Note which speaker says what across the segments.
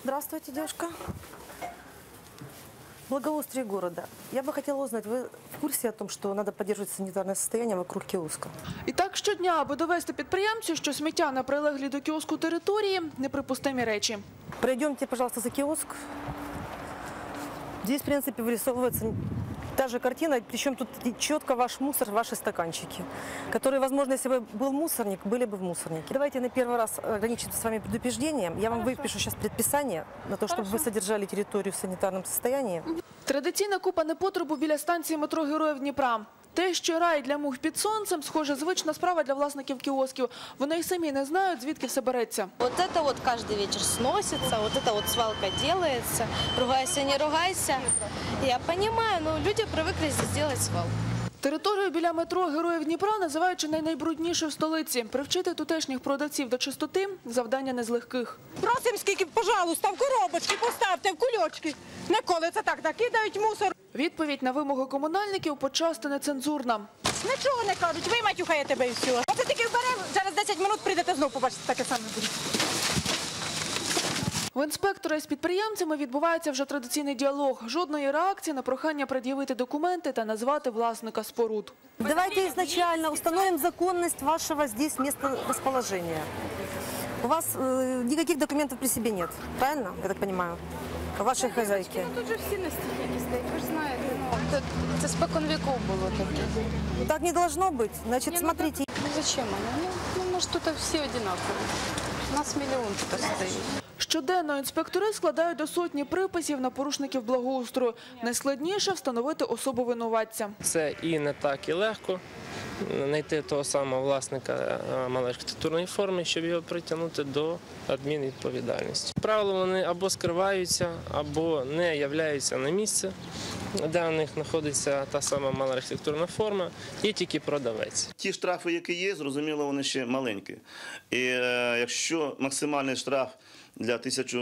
Speaker 1: Здравствуйте, девушка. Благоустрие города. Я бы хотела узнать, вы в курсе о том, что надо поддерживать санитарное состояние вокруг киоска?
Speaker 2: І так щодня, аби довести підприємцю, що сміття на прилеглій до кіоску території – неприпустимі речі.
Speaker 1: Пройдемте, пожалуйста, за киоск. Здесь, в принципе, вырисовывается та же картина, причем тут четко ваш мусор, ваши стаканчики, которые, возможно, если бы был мусорник, были бы в мусорнике. Давайте на первый раз ограничимся с вами предупреждением. Я вам выпишу сейчас предписание на то, чтобы вы содержали территорию в санитарном состоянии.
Speaker 2: Традиційна купа непотребу біля станції метро Героїв Дніпра. Те, що рай для мух під сонцем, схоже, звична справа для власників кіосків. Вони й самі не знають, звідки все береться.
Speaker 3: Вот это вот каждый вечер сносится, вот это вот свалка делается. Ругайся, не ругайся. Я понимаю, но люди привыкли здесь делать свалку.
Speaker 2: Територію біля метро Героїв Дніпра називають чи не найбруднішою в столиці. Привчити тутешніх продавців до чистоти – завдання не з легких.
Speaker 4: Просимо скільки, пожалуйста, в коробочки поставте, в кульочки. Не коли це так накидають мусор.
Speaker 2: Відповідь на вимоги комунальників почасти нецензурна.
Speaker 4: Нічого не кажуть, ви матюхає тебе і все. Оце тільки вберемо, через 10 хвилин прийдете знову, побачите, таке саме буде.
Speaker 2: В інспектора із підприємцями відбувається вже традиційний діалог. Жодної реакції на прохання пред'явити документи та назвати власника споруд.
Speaker 1: Давайте изначально установим законность вашего здесь места расположения. У вас никаких документов при себе нет, правильно, я так понимаю? Вашей хозяйки.
Speaker 5: Тут же всі на стільки стоять, ви ж знаєте. Це спокон віков було таке.
Speaker 1: Так не должно быть. Значит, смотрите.
Speaker 5: Ну зачем воно? Ну, може, тут всі однакові. У нас мільйон тут стоїть.
Speaker 2: Щоденно інспектори складають до сотні приписів на порушників благоустрою. Найскладніше – встановити особу винуватця.
Speaker 6: Це і не так і легко знайти того самого власника малоархітектурної форми, щоб його притягнути до адмінвідповідальності. Правило, вони або скриваються, або не являються на місце, де у них знаходиться та сама малоархітектурна форма, є тільки продавець.
Speaker 7: Ті штрафи, які є, зрозуміло, вони ще маленькі. І якщо максимальний штраф для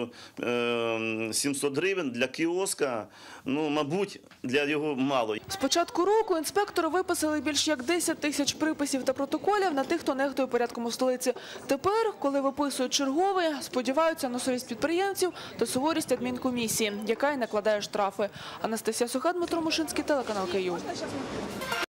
Speaker 7: 1700 гривень, для кіоска, ну, мабуть, для його мало.
Speaker 2: З початку року інспектори виписали більш як 10 тисяч приписів та протоколів на тих, хто нехтує порядком у столиці. Тепер, коли виписують черговий, сподіваються на совість підприємців та суворість адмінкомісії, яка й накладає штрафи. Анастасія Суха, Дмитро Мушинський, телеканал Київ.